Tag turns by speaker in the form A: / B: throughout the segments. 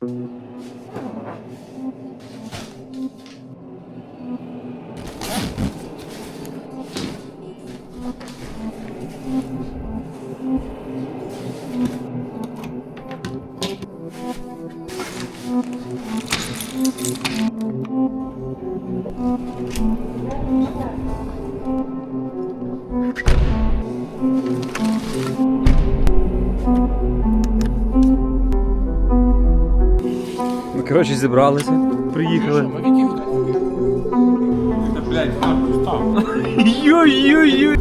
A: Коротше, зібралися, приїхали.
B: Та, блядь, нахуй став.
A: Йой-йой-йой.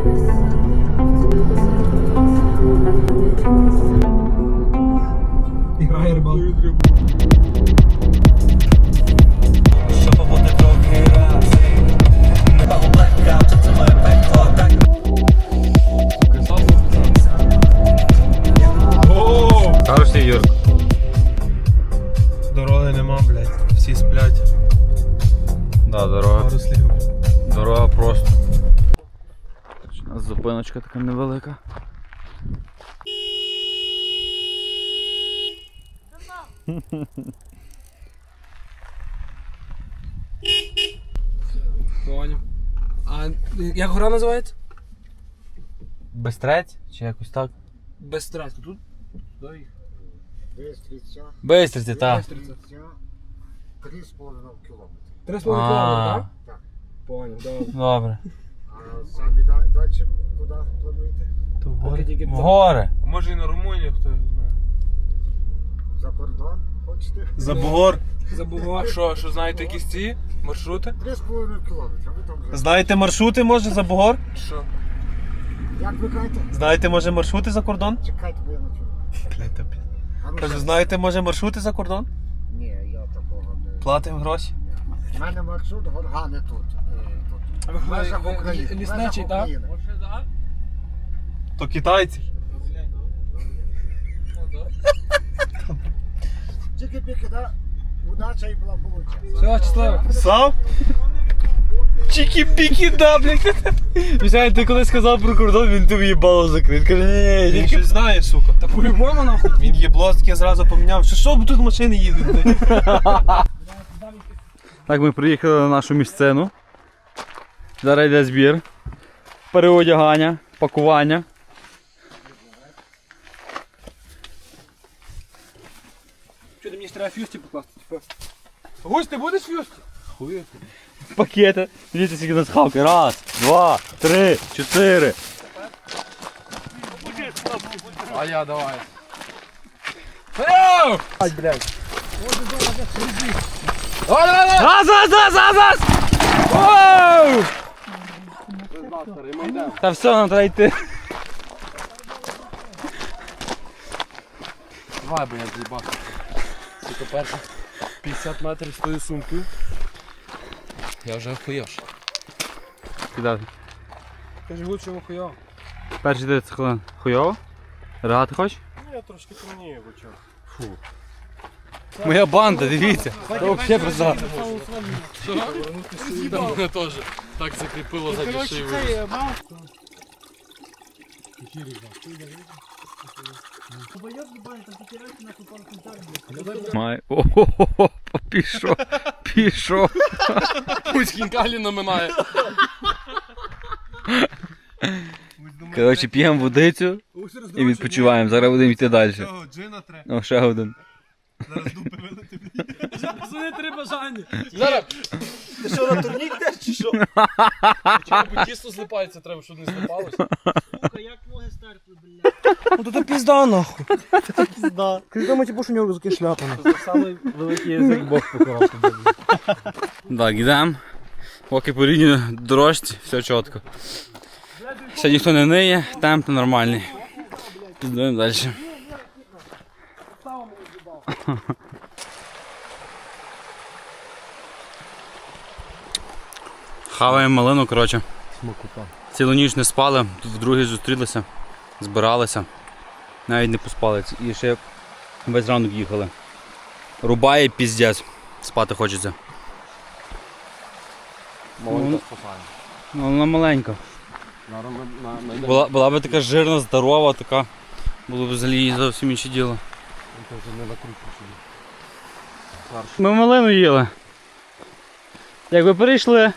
C: Грає рибалку.
A: Хороший Юрк.
C: Дороги нема, блядь. Всі сплять.
A: Да, дорога.
C: Пару слів.
A: Дорога просто. У нас зупиночка така невелика.
C: Поняв. А як гора називається?
A: Бестрець? Чи якось так?
C: Безстрастя. Тут? Дай їх.
A: Бистриці, так.
C: 3,5
D: кілометри.
C: 3,5 кілометри, так?
D: Так.
C: Поняв, добре.
A: Добре.
D: А самі далі куди плануєте?
C: То поки тільки
A: В гори.
B: Може і на Румунію, хто його знає.
D: За кордон хочете?
C: За
B: Бугор.
C: Забув.
B: А що знаєте якісь ці маршрути?
D: 3,5 кілометри. Ви там вже.
E: Знаєте маршрути, може, за Бугор?
B: Що?
D: Як ви кажете?
E: Знаєте, може, маршрути за кордон?
D: Чекайте, бо я не чую. А ну,
E: Кажу,
D: що?
E: знаєте, може, маршрути за кордон?
D: Ні, я такого не...
E: Платимо гроші.
D: У мене маршрут Горгани тут.
C: А ви
D: В межах України. В
C: лісничий,
D: межах
C: так?
D: України.
E: То китайці.
D: Тільки-піки, да? Удача і благополуччя.
C: Все, щасливо.
E: Сам? Чікі-пікі, да, блядь. Мішань, ти коли сказав про кордон, він тобі їбало закрив. Каже, ні, він щось знає, сука.
C: Та по-любому нахуй.
E: Він їбло таке зразу поміняв. Що бо тут машини їдуть, блядь?
A: Так, ми приїхали на нашу місцину. Зараз йде збір, переодягання, пакування.
C: Що, ти мені ж треба фюсті покласти? Гусь, ти будеш фюсті?
A: Пакети. Дивіться, скільки нас хавки. Раз, два, три, чотири.
B: А я давай.
A: Раз, раз, раз, раз, раз! Оу! Та все, нам треба йти.
B: Давай, бо я з'їбав. Тільки перше 50 метрів з тою сумкою. Я вже охуєш.
A: Кидати.
C: Кажи, гусь, що хуйово.
A: Перші 30 хвилин. Хуйово? Ригати хочеш?
B: Я трошки темніє в очах.
A: Моя банда, дивіться. Це взагалі просто.
B: Там мене теж так закріпило за шиєю.
A: Май. О-хо-хо-хо, пішов, пішов.
B: Пусть хінкалі наминає.
A: Коротше, п'ємо водицю і відпочиваємо. Зараз будемо йти далі.
E: Джина треба.
A: О, ще один.
E: Зараз дупи вилити.
C: Пацани, три бажання.
B: Зараз
E: Ти що, на турнік йдеш чи що?
B: чого тісто злипається, треба, щоб не злипалося.
C: Ну то пізда нахуй.
E: Пізда.
C: Ти думаєш, типу, що у нього руки шляпа.
A: Самий великий язик Бог покарав. Так, йдемо. Поки по рівній дорожці, все чітко. Ще ніхто не ниє, темп нормальний. Підемо далі. Хаваємо малину, коротше. Цілу ніч не спали, вдруге зустрілися, збиралися. Навіть не поспали. І ще весь ранок їхали. Рубає піздець. Спати хочеться. Ну, вона маленька. Була б така жирна, здорова, така. Було б взагалі зовсім інше діло.
B: фарш.
A: Ми малину їли. Як ви перейшли?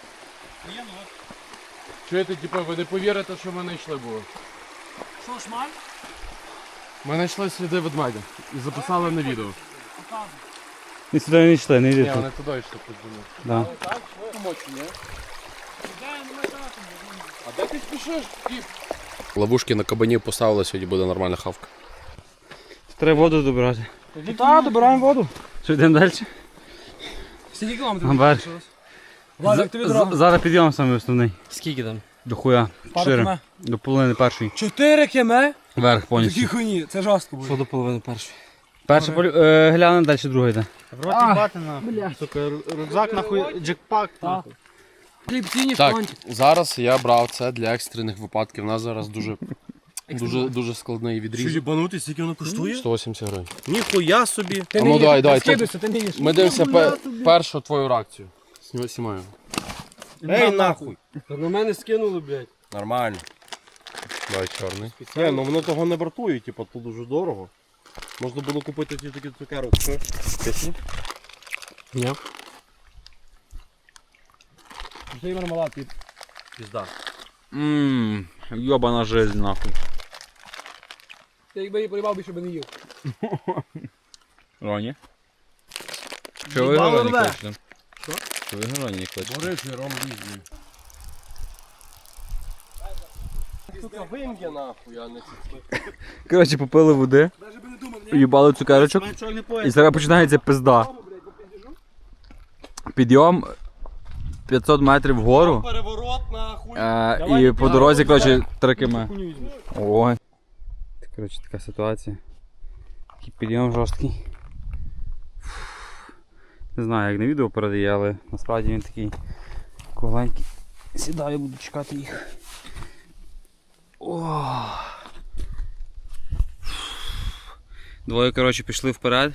B: Чуєте, типу, ви не повірите, що ми знайшли було.
C: Що, шмаль?
B: Ми знайшли сліди ведмедя і записали на відео.
A: Ми сюди не йшли, не
B: Ні,
A: йдіть.
B: вони туди йшли під землю.
A: Да.
B: А де ти спішиш? Ловушки на кабані поставили, сьогодні буде нормальна хавка.
A: Треба воду добирати.
C: Та, добираємо воду.
A: Що, йдемо далі?
C: Скільки кілометрів?
A: Гамбар.
C: Валік, тобі дорога.
A: Зараз підйом саме основний.
B: Скільки там?
A: До хуя.
C: Пару
A: 4.
C: км.
A: До половини першої.
C: 4 км?
A: Вверх
C: Такі
A: повністю.
C: хуйні, це жорстко буде.
B: Що до половини першої?
A: Перше гляне, далі друге йде.
E: В роті бати нахуй. Сука, рюкзак нахуй, джекпак нахуй.
C: Хлібці,
B: Так,
C: фронті.
B: зараз я брав це для екстрених випадків. У нас зараз дуже складний відріз.
F: Їбанути, скільки воно коштує?
B: 180 гривень.
F: Ніхуя собі.
C: Ти
B: А
C: не
B: ну
C: їш,
B: давай,
C: ти
B: давай,
C: скидуйся, ти не їш.
B: Ми дивимося першу твою реакцію. Знімаю.
F: Ей, нахуй.
B: Та на мене скинули, блядь.
F: Нормально.
B: Давай чорний.
F: Не, ну воно того не вартує, типу, тут дуже дорого. Можна було купити ті такі цукерок. Що?
B: Ні.
C: Вже й мармелад.
F: Пізда.
A: Йобана жизнь нахуй.
C: Ти якби її поїбав, більше би не їв.
A: Роні? Що ви
C: Їбало
A: Роні
C: рве.
A: кличете? Що ви Роні кличете?
B: Горичий ром різний.
F: Сука, вим'є нахуй, а не ці.
A: Коротше, попили води,
C: Даже би не думав,
A: уїбали цукерочок. І зараз починається пизда. Підйом 500 метрів вгору.
F: Переворот нахуй.
A: І по дорозі, коротше, 3 км. Ой. Коротше, така ситуація. Такий підйом жорсткий. Не знаю, як на відео передає, але насправді він такий кругленький. Сідаю, буду чекати їх. О. Двоє, коротше, пішли вперед.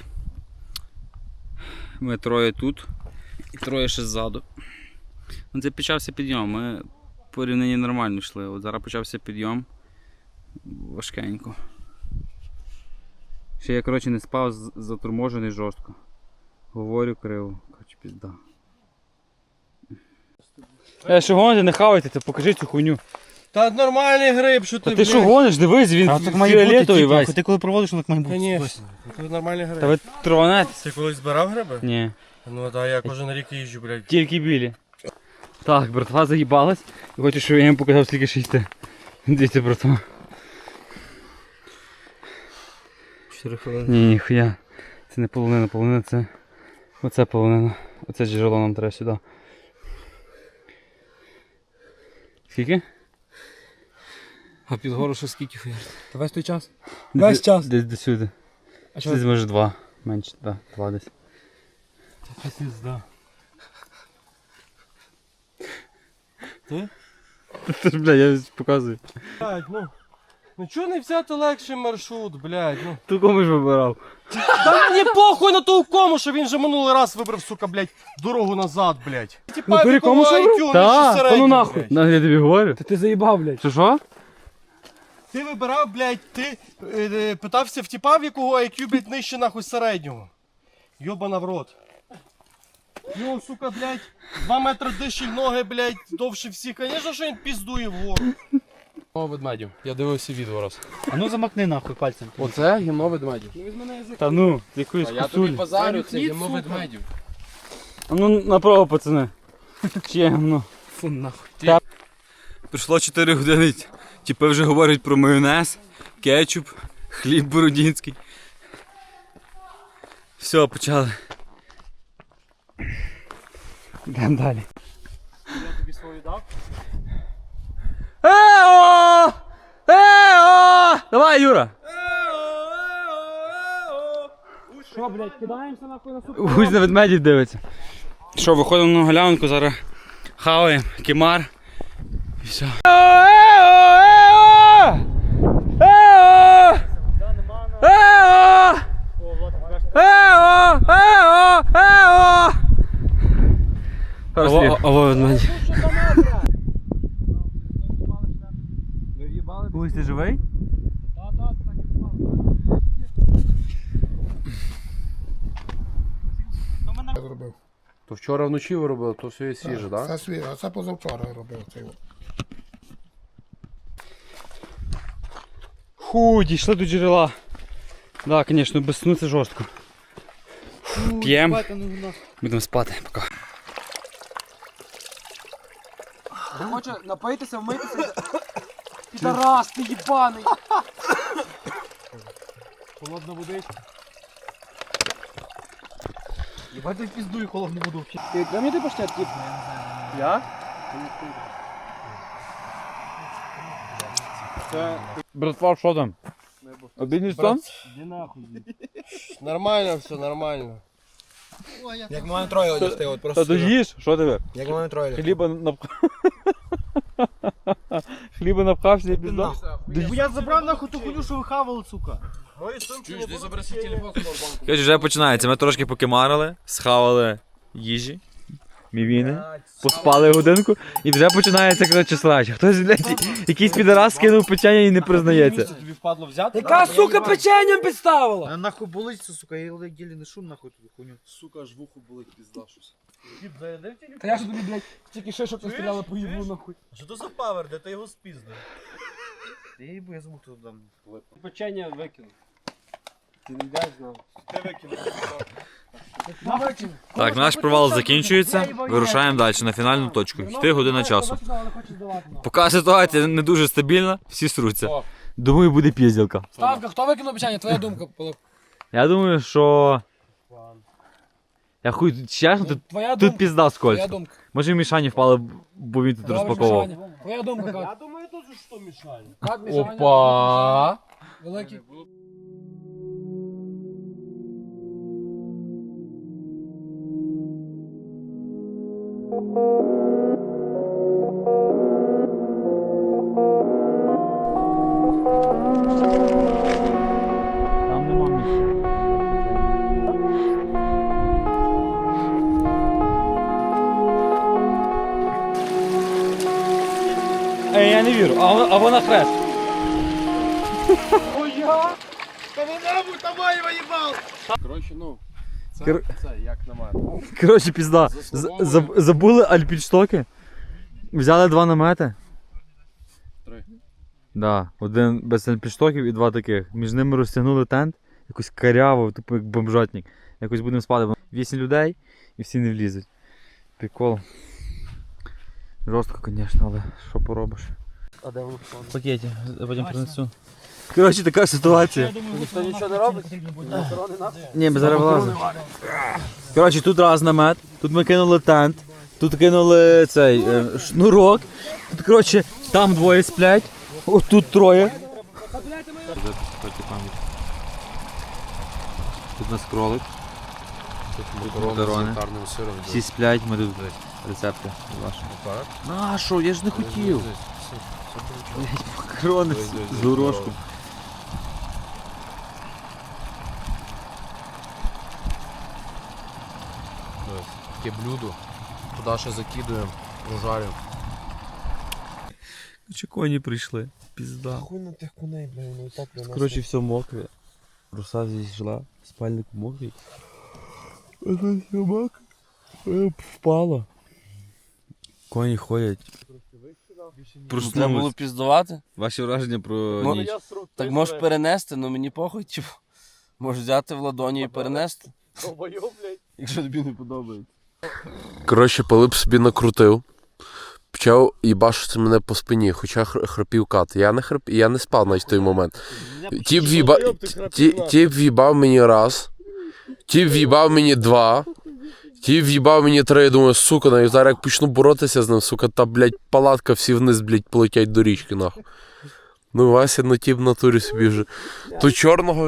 A: Ми троє тут і троє ще ззаду. Ну, це почався підйом, ми порівняно нормально йшли. От зараз почався підйом. Важкенько. Ще я, коротше, не спав, заторможений жорстко. Говорю криво. Коротше, пізда. Що гоните, не хавайте, ти покажи цю хуйню.
F: Та нормальний гриб, що ти,
A: Та ти що гониш, дивись, він
E: А так має бути,
A: фіолетовий
E: типу,
A: весь.
E: ти коли проводиш, воно так має бути.
F: Конечно. Це нормальний
A: Та
F: гриб.
A: ви тронетесь?
F: Ти колись збирав гриби?
A: Ні,
F: Ну так, я кожен рік їжджу, блядь.
A: тільки білі. Так, братва заїбалась. І хочу, щоб я їм показав, скільки ще йти. Дивіться, братва.
B: 4 хвилини.
A: Ні, ніхуя. Це не половина, половина це. Оце половина. Оце джерело нам треба сюди. Скільки?
B: А під гору ще скільки хуяр?
C: Та весь той час. Весь час.
A: Десь до сюди.
C: А що?
A: Десь може 2. Менше, да, 2 десь.
F: Пізда.
A: Це ж, бля, я показую.
F: Блядь, ну чого не взяти легший маршрут, блядь, ну.
A: Ту кому ж вибирав?
F: Та мені похуй на того кому, що він же минулий раз вибрав, сука, блядь, дорогу назад, блядь. Типа,
A: Ну, кому ж вибрав?
F: Та,
A: ну нахуй. Ну, я тобі говорю.
C: Та ти заїбав, блядь.
A: Що?
F: Ти вибирав, блядь, ти питався в тіпа, в якого IQ, блядь, нижче нахуй середнього. Йобана в рот. Ну, сука, блядь, 2 метри диші ноги, блядь, довше всіх. Конечно, що він піздує вгору.
B: Гімно ведмедів. Я дивився відео раз.
E: А ну замакни нахуй пальцем.
B: Оце гімно ведмедів.
A: Та ну, якоїсь
B: Я тобі
A: косулі.
B: базарю, це гімно ведмедів.
A: А ну направо, пацани. Чи ну.
B: Фу, нахуй.
A: Пройшло 4 години. Тіпи вже говорять про майонез, кетчуп, хліб бородінський. Все, почали. Йдемо далі.
F: Я тобі свою дав?
A: Ео! Ео! Давай, Юра!
C: Що, блядь, кидаємося нахуй на суп?
A: Гусь на ведмедів дивиться. Що, виходимо на галявинку, зараз хаваємо кемар. І все.
B: Ого, ведмеді.
A: Гусь, ти живий?
D: зробив.
B: То вчора вночі ви робили, то все є свіже, так?
D: Це свіже, а це позавчора робив цей.
A: Фу, дійшли до джерела. Да, звісно, без сну це жорстко. П'ємо. Будемо спати. Пока.
C: Хоче напоїтися, вмитися. Підарас, ти їбаний.
F: Холодна водичка.
C: Єбать, ти піздуй, холодну воду. Ти дай мені той паштет, кіт?
F: Я?
A: Братва, що там? Обідній стан?
F: Нормально все, нормально.
E: Як ми маємо троє одягти, от
A: Та
E: просто.
A: доїж, що тебе?
E: Як ми маємо троє одягти.
A: Хліба напхав. Хліба напхався і пізда.
F: Я забрав нахуй ту хуйню, що ви хавали, сука.
B: Чуєш, ти забери свій телефон з банку.
E: Короче, вже починається. Ми трошки покимарили, схавали їжі, мівіни, поспали годинку і вже починається, коротше, срач. Хтось, блядь, якийсь підарас скинув печення і не признається.
F: Тобі впадло взяти?
C: Яка, сука, печенням підставила?
E: А нахуй болить це, сука, я ділі не шум нахуй тут хуйню.
B: Сука, аж вухо болить, пізда щось.
C: Та я ж тобі, блядь, тільки ще щоб постріляли по їблу, нахуй.
F: Що то за павер, де ти його спіздив?
E: Я забув, хто там.
F: Печення викинув. Ти не йдеш знав. Ти викинув.
E: Так, наш провал закінчується, вирушаємо далі на фінальну точку. Йти година часу. Поки ситуація не дуже стабільна, всі сруться. Думаю, буде пізділка.
C: Ставка, хто викинув печення? Твоя думка, Пилип.
E: Я думаю, що... Я хуй, чесно,
C: Твоя
E: тут
C: думка.
E: пізда скользь.
C: Твоя думка.
E: Може в Мішані впали, бо він тут розпаковував.
C: Твоя думка,
F: Я
C: как?
F: думаю, теж що мішає.
C: Как Мішаня?
B: Опа!
C: Великий.
E: Там нема місця. Ей, я не вірю, а вона хрест.
B: Коротше, ну, це як на мене.
E: Коротше, пізда. Забули альпінштоки. Взяли 2 намети.
B: 3.
E: Да, один без альпінштоків і 2 таких. Між ними розтягнули тент, якось каряво, тупо як бомжатник. Якось будемо спати. 8 людей і всі не влізуть. Прикол. Жорстко, звісно, але що поробиш.
F: А де воно?
E: В пакеті, потім принесу. Коротше, така ситуація.
F: Ніхто нічого не робить?
E: Ні, ми зараз вилазимо. Коротше, тут раз намет, тут ми кинули тент, тут кинули цей шнурок. Тут, коротше, там 2 сплять, отут 3. Тут у нас кролик. Макарони.
B: Тарним сиром.
E: Всі сплять, ми тут рецепти ваші. На що, я ж не хотів. Блять, макарони з горошком.
B: Таке блюдо. Туди ще закидуємо, прожарюємо.
E: Чи коні прийшли? Пізда.
F: Хуй на тих коней, бля, воно і так для нас.
E: Коротше, все мокре. Руса зійшла, спальник мокрий. А тут все мокре. Впало. Коні ходять.
G: Треба
E: Проснулись.
G: було піздувати.
E: Ваші враження про
G: Ну,
E: ніч?
G: Так можеш перенести, але мені похуй, типу. Можеш взяти в ладоні і перенести. Якщо тобі не подобається.
B: Коротше, Пилип собі накрутив. Почав їбашити мене по спині, хоча храпів кат. Я не спав навіть в той момент. Тіп в'їбав мені раз, тіп в'їбав мені 2, тіп в'їбав мені 3. Я думаю, сука, навіть зараз як почну боротися з ним, сука, та, блядь, палатка всі вниз, блядь, полетять до річки, нахуй. Ну, Вася, ну тіп в натурі собі вже. То чорного...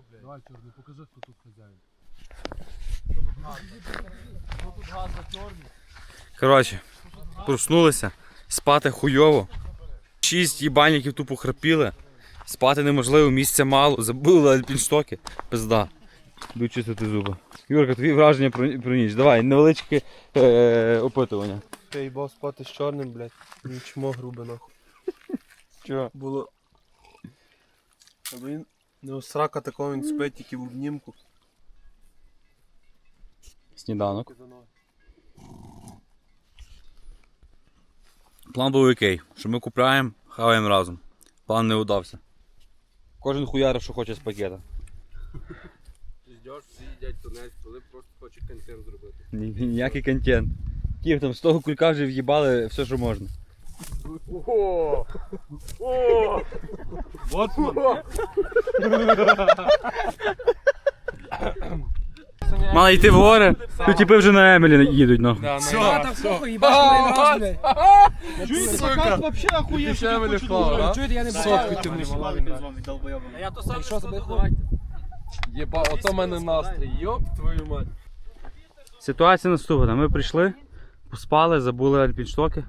A: Коротше, проснулися, спати хуйово. 6 їбальників тупо храпіли. Спати неможливо, місця мало, забули альпінштоки. Пизда. Йду чистити зуби. Юрка, твої враження про ніч. Давай, невеличке опитування.
F: Я їбав спати з чорним, блядь. Нічмо грубе, нахуй.
A: Чого?
F: Було. Аби він не у срака такого, він спить тільки в обнімку.
A: Сніданок. План був який, що ми купляємо, хаваємо разом. План не удався. Кожен хуярив, що хоче з пакета.
G: Ждеш, всі їдять тунець, коли просто хочуть контент зробити.
A: Ніякий контент. Київ там з того кулька вже в'їбали все, що можна. Мали йти в гори, тут типи вже на Емелі їдуть, нахуй.
F: Чуєте, закат вообще охуєвший, я хочу думати.
C: Чуєте, я не бачу.
G: Я то сам що давайте. Єба, ото мене настрій, йоп твою мать.
A: Ситуація наступна. Ми прийшли, поспали, забули альпінштоки.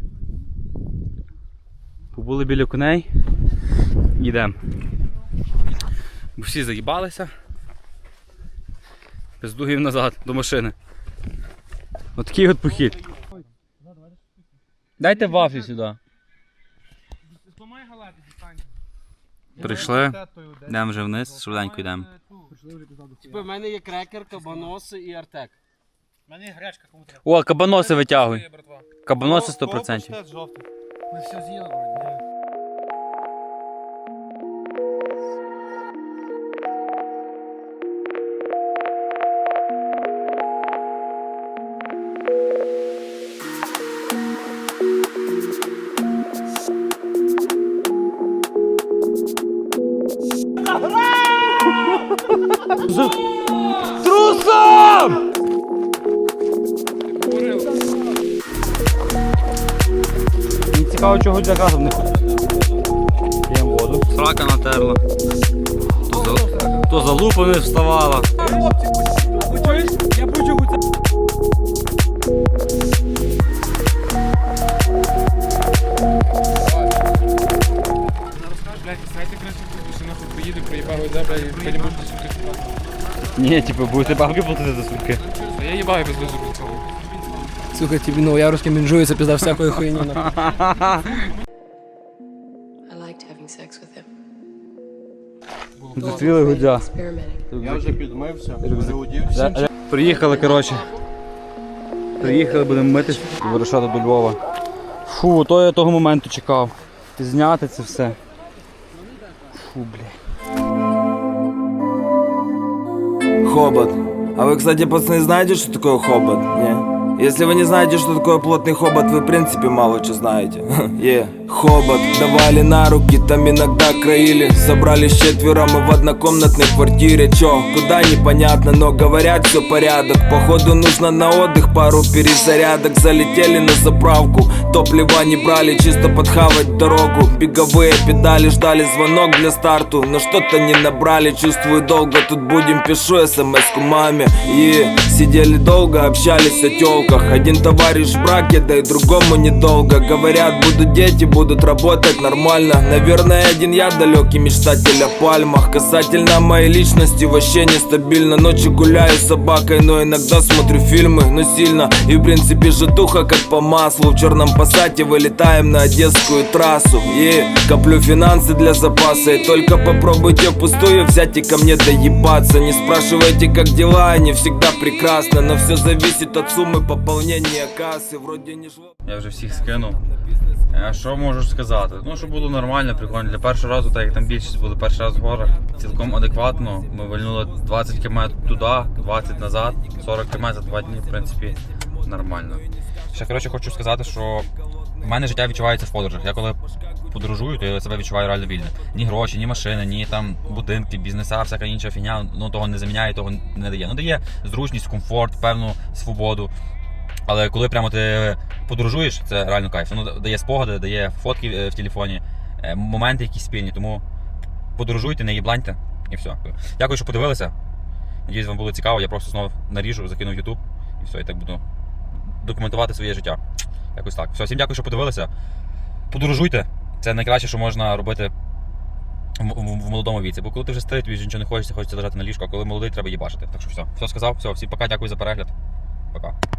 A: Побули біля коней. Йдемо. Бо всі заїбалися. Без дугів назад, до машини. Отакий от похід. Дайте вафлі сюди. Прийшли, йдемо вже вниз, швиденько йдемо.
G: Типу, в мене є крекер, кабаноси і артек.
A: О, кабаноси витягуй. Кабаноси 100%.
C: Ми все з'їли.
A: Мені цікаво, чого для газу не ходить. П'ємо воду. Срака натерла. То за лупу не вставала.
C: Я почув у це. Блядь, знаєте, краще, що нахуй приїде, проїбав іде, блядь, ви не будете сутки справді.
A: Ні, типу, будете бабки платити за сутки.
C: А я їбаю без дозволу цього. Сука, тобі новояровське мінжується, пізда всякої хуйні.
H: I liked having sex with him.
A: Зацвіли гудзя.
H: Experimenting.
F: Я вже підмився, переодівся.
A: Приїхали, коротше. Приїхали, будемо митись і вирушати до Львова. Фу, то я того моменту чекав. Зняти це все. Фу, блядь.
I: Хобот. А вы, кстати, пацаны, знаете, что такое хобот? Не? Если вы не знаете, что такое плотный хобот, вы, в принципе, мало что знаете. Хобот. Давали на руки, там иногда краили. Собрались четвером и в однокомнатной квартире. Чё, куда непонятно, но говорят, все порядок. Походу нужно на отдых, пару перезарядок. Залетели на заправку, топлива не брали, чисто подхавать дорогу. Беговые педали, ждали звонок для старту, но что-то не набрали. Чувствую, долго тут будем, пишу смс-ку маме. И сидели долго, общались о тёлках. Один товарищ в браке, да и другому недолго. Говорят, будут дети, будут работать нормально. Наверное, один я далекий мечтатель о пальмах. Касательно моей личности вообще нестабильно. Ночью гуляю с собакой, но иногда смотрю фильмы, но сильно. И в принципе житуха как по маслу. В черном пассате вылетаем на одесскую трассу. И коплю финансы для запаса. И только попробуйте впустую взять и ко мне доебаться. Не спрашивайте, как дела, они всегда прекрасно. Но все зависит от суммы пополнения кассы. Вроде не жлоб.
A: Я вже всіх скинув. Що можу сказати? Ну, щоб було нормально, прикольно. Для першого разу, так як там більшість були перший раз в горах, цілком адекватно. Ми вальнули 20 км туди, 20 назад, 40 км за 2 дні, в принципі, нормально. Ще, коротше, хочу сказати, що в мене життя відчувається в подорожах. Я коли подорожую, то я себе відчуваю реально вільно. Ні гроші, ні машини, ні там будинки, бізнеса, всяка інша фігня, ну того не заміняє, того не дає. Ну, дає зручність, комфорт, певну свободу. Але коли прямо ти подорожуєш, це реально кайф. Воно дає спогади, дає фотки в телефоні, моменти якісь спільні. Тому подорожуйте, не їбланьте і все. Дякую, що подивилися. Надіюсь, вам було цікаво. Я просто знову наріжу, закину в YouTube і все, і так буду документувати своє життя. Якось так. Все, всім дякую, що подивилися. Подорожуйте. Це найкраще, що можна робити в молодому віці. Бо коли ти вже старий, тобі вже нічого не хочеться, хочеться лежати на ліжку, а коли молодий, треба їбашити. Так що все сказав, все, всім пока, дякую за перегляд. Пока.